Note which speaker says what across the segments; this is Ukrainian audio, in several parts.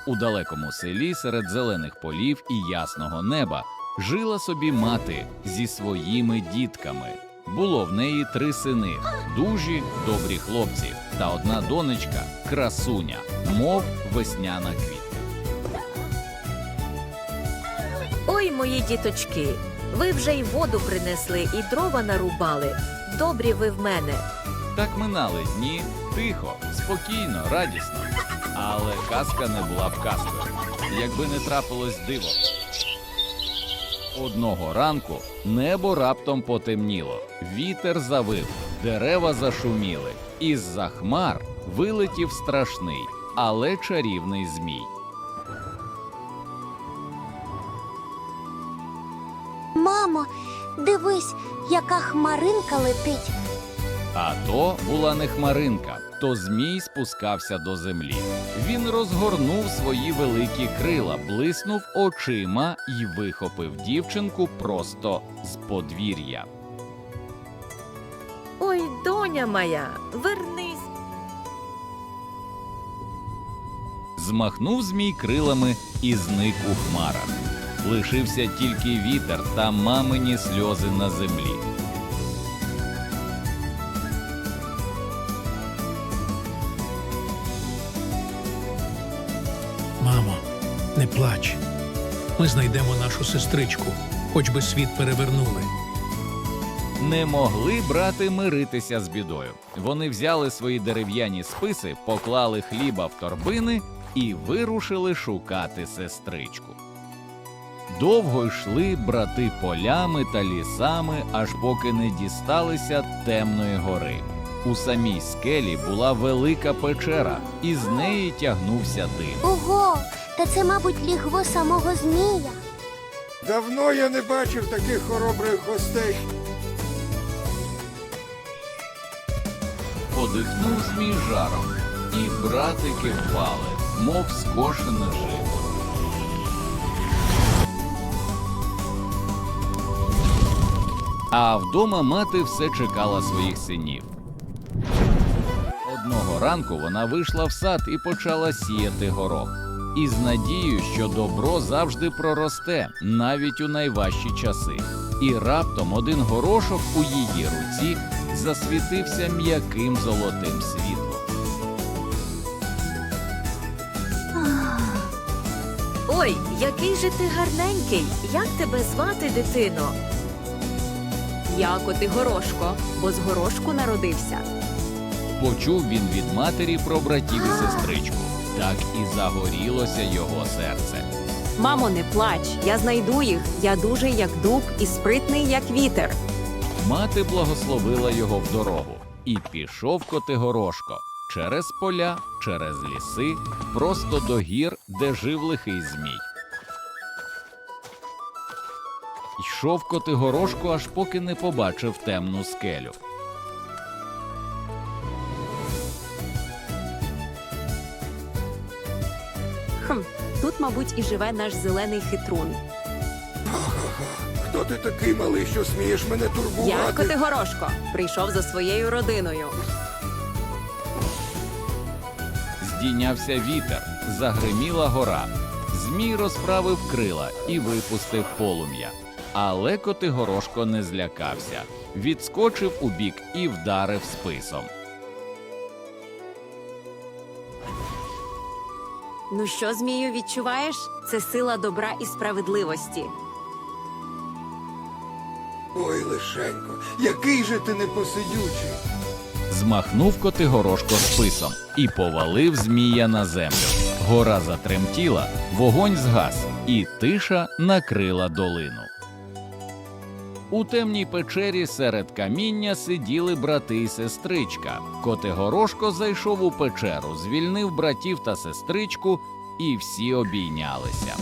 Speaker 1: У далекому селі серед зелених полів і ясного неба жила собі мати зі своїми дітками. Було в неї 3 сини – дужі, добрі хлопці, та одна донечка – красуня, мов весняна квітка.
Speaker 2: Ой, мої діточки, ви вже й воду принесли, і дрова нарубали. Добрі ви в мене.
Speaker 1: Так минали дні тихо, спокійно, радісно. Але казка не була б казкою, якби не трапилось диво. Одного ранку небо раптом потемніло, вітер завив, дерева зашуміли. Із-за хмар вилетів страшний, але чарівний змій.
Speaker 3: Мамо, дивись, яка хмаринка летить.
Speaker 1: А то була не хмаринка, то змій спускався до землі. Він розгорнув свої великі крила, блиснув очима і вихопив дівчинку просто з подвір'я.
Speaker 2: Ой, доня моя, вернись.
Speaker 1: Змахнув змій крилами і зник у хмарах. Лишився тільки вітер та мамині сльози на землі.
Speaker 4: Мамо, не плач. Ми знайдемо нашу сестричку, хоч би світ перевернули.
Speaker 1: Не могли брати миритися з бідою. Вони взяли свої дерев'яні списи, поклали хліба в торбини і вирушили шукати сестричку. Довго йшли брати полями та лісами, аж поки не дісталися темної гори. У самій скелі була велика печера, і з неї тягнувся дим.
Speaker 3: Ого, та це, мабуть, лігво самого змія.
Speaker 5: Давно я не бачив таких хоробрих гостей.
Speaker 1: Подихнув змій жаром, і братики впали, мов скошене жито. А вдома мати все чекала своїх синів. Одного ранку вона вийшла в сад і почала сіяти горох. Із надією, що добро завжди проросте, навіть у найважчі часи. І раптом один горошок у її руці засвітився м'яким золотим світлом.
Speaker 2: Ой, який же ти гарненький. Як тебе звати, дитино?
Speaker 6: Я Котигорошко, бо з горошку народився.
Speaker 1: Почув він від матері про братів і сестричку. Так і загорілося його серце.
Speaker 6: Мамо, не плач, я знайду їх. Я дужий, як дуб, і спритний, як вітер.
Speaker 1: Мати благословила його в дорогу. І пішов Котигорошко через поля, через ліси, просто до гір, де жив лихий змій. Йшов Котигорошко, аж поки не побачив темну скелю.
Speaker 6: Тут, мабуть, і живе наш зелений хитрун.
Speaker 5: Хто ти такий малий, що смієш мене
Speaker 6: Я
Speaker 5: турбувати?
Speaker 6: Котигорошко, прийшов за своєю родиною.
Speaker 1: Здійнявся вітер, загриміла гора. Змій розправив крила і випустив полум'я. Але Котигорошко не злякався. Відскочив убік і вдарив списом.
Speaker 6: Ну що, змію, відчуваєш? Це сила добра і справедливості.
Speaker 5: Ой, лишенько, який же ти непосидючий.
Speaker 1: Змахнув Котигорошко списом і повалив змія на землю. Гора затремтіла, вогонь згас, і тиша накрила долину. У темній печері серед каміння сиділи брати і сестричка. Котигорошко зайшов у печеру, звільнив братів та сестричку, і всі обійнялися.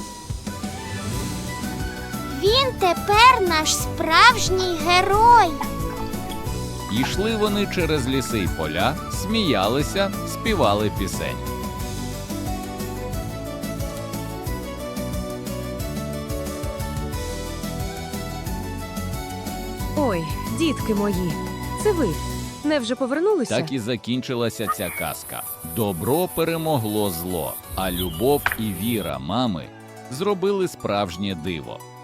Speaker 3: Він тепер наш справжній герой.
Speaker 1: Йшли вони через ліси й поля, сміялися, співали пісень.
Speaker 2: Ой, дітки мої, це ви.
Speaker 6: Невже повернулися?
Speaker 1: Так і закінчилася ця казка. Добро перемогло зло, а любов і віра мами зробили справжнє диво.